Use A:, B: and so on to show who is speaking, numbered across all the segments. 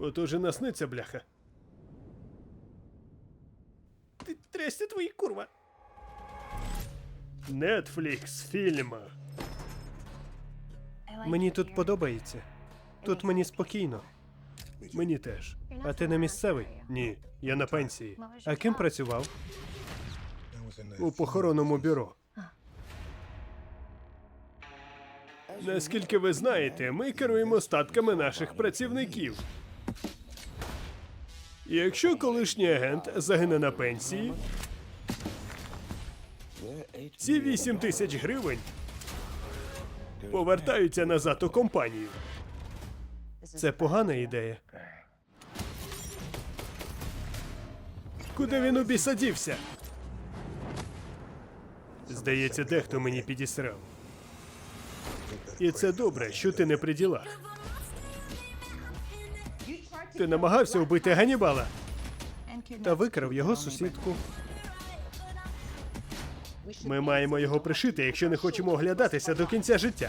A: Ото же насниться, бляха. Ти трясся твої, курва. Netflix фільм. Мені тут подобається. Тут мені спокійно. Мені теж. А ти не місцевий? Ні, я на пенсії. А ким працював? У похоронному бюро. Наскільки ви знаєте, ми керуємо статками наших працівників. І якщо колишній агент загине на пенсії, ці 8 тисяч гривень повертаються назад у компанію. Це погана ідея. Куди він у біса дівся? Здається, дехто мені підісрав. І це добре, що ти не при ділах. Ти намагався вбити Ганнібала та викрав його сусідку. Ми маємо його пришити, якщо не хочемо оглядатися до кінця життя.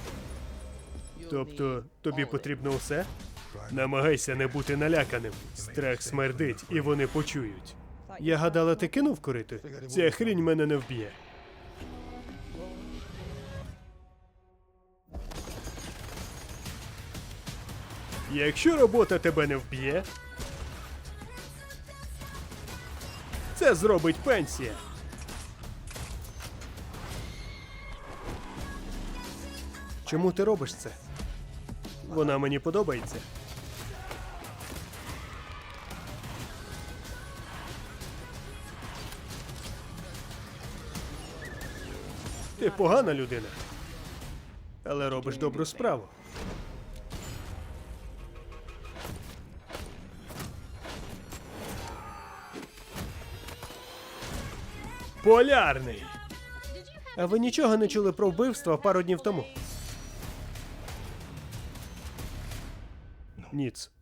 A: Тобто, тобі потрібно усе? Намагайся не бути наляканим. Страх смердить, і вони почують. Я гадала, ти кинув курити? Ця хрінь мене не вб'є. Якщо робота тебе не вб'є, це зробить пенсія. Чому ти робиш це? Вона мені подобається. Ти погана людина, але робиш добру справу. Полярний! А ви нічого не чули про вбивство пару днів тому? Ніц.